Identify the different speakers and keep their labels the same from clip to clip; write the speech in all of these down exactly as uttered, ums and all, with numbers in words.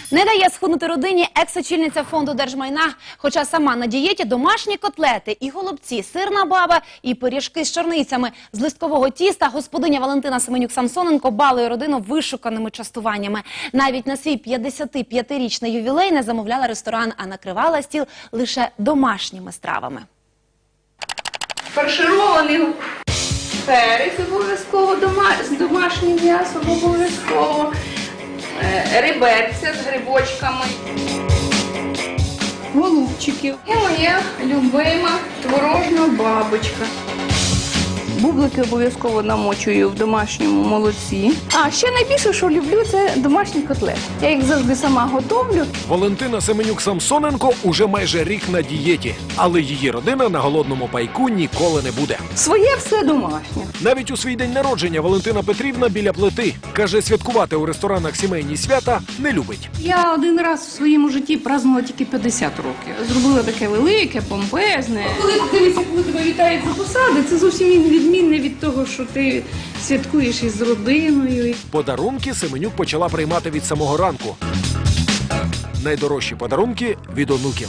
Speaker 1: Не дає схуднути родині екс-очільниця фонду держмайна, хоча сама на дієті домашні котлети і голубці, сирна баба і пиріжки з чорницями. З листкового тіста господиня Валентина Семенюк-Самсоненко балує родину вишуканими частуваннями. Навіть на свій п'ятдесятип'ятирічний ювілей не замовляла ресторан, а накривала стіл лише домашніми стравами.
Speaker 2: Фарширований перець обов'язково, з домашнім м'ясом обов'язково, реберця з грибочками, голубчиків і моя любима творожна бабочка. Бублики обов'язково намочую в домашньому молоці. А ще найбільше, що люблю, це домашні котлети. Я їх завжди сама готовлю.
Speaker 3: Валентина Семенюк-Самсоненко уже майже рік на дієті, але її родина на голодному пайку ніколи не буде.
Speaker 2: Своє все домашнє.
Speaker 3: Навіть у свій день народження Валентина Петрівна біля плити. Каже, святкувати у ресторанах сімейні свята не любить.
Speaker 2: Я один раз в своєму житті празднувала тільки п'ятдесят років. Зробила таке велике, помпезне. Коли ти дивишся, коли тебе вітають за посади, це зовсім відмінне від того, що ти святкуєш із родиною.
Speaker 3: Подарунки Семенюк почала приймати від самого ранку. Найдорожчі подарунки від онуків.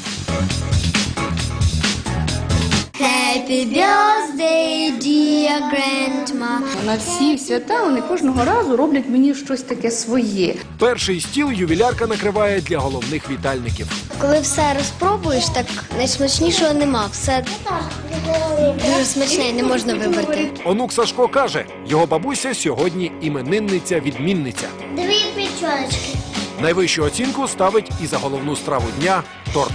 Speaker 4: Happy birthday, dear grandma.
Speaker 2: На всі свята вони кожного разу роблять мені щось таке своє.
Speaker 3: Перший стіл ювілярка накриває для головних вітальників.
Speaker 4: Коли все розпробуєш, так найсмачнішого нема. Все дуже смачне і не можна вибрати.
Speaker 3: Онук Сашко каже, його бабуся сьогодні іменинниця-відмінниця.
Speaker 4: Дві печоночки.
Speaker 3: Найвищу оцінку ставить і за головну страву дня – торт.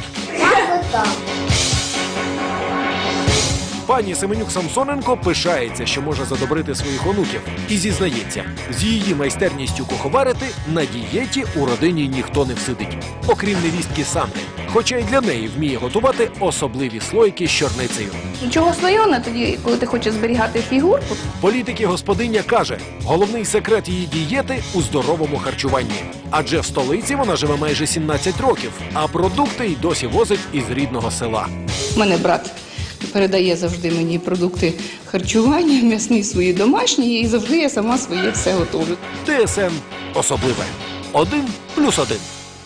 Speaker 3: Пані Семенюк-Самсоненко пишається, що може задобрити своїх онуків. І зізнається, з її майстерністю куховарити на дієті у родині ніхто не всидить. Окрім невістки Санни. Хоча й для неї вміє готувати особливі слойки з чорницею.
Speaker 2: Нічого слоєна тоді, коли ти хочеш зберігати фігурку.
Speaker 3: Політики-господиня каже, головний секрет її дієти у здоровому харчуванні. Адже в столиці вона живе майже сімнадцять років, а продукти й досі возить із рідного села.
Speaker 2: У мене брат передає завжди мені продукти харчування, м'ясні свої домашні, і завжди я сама своє все готовлю.
Speaker 3: ТСН особливе. Один плюс один.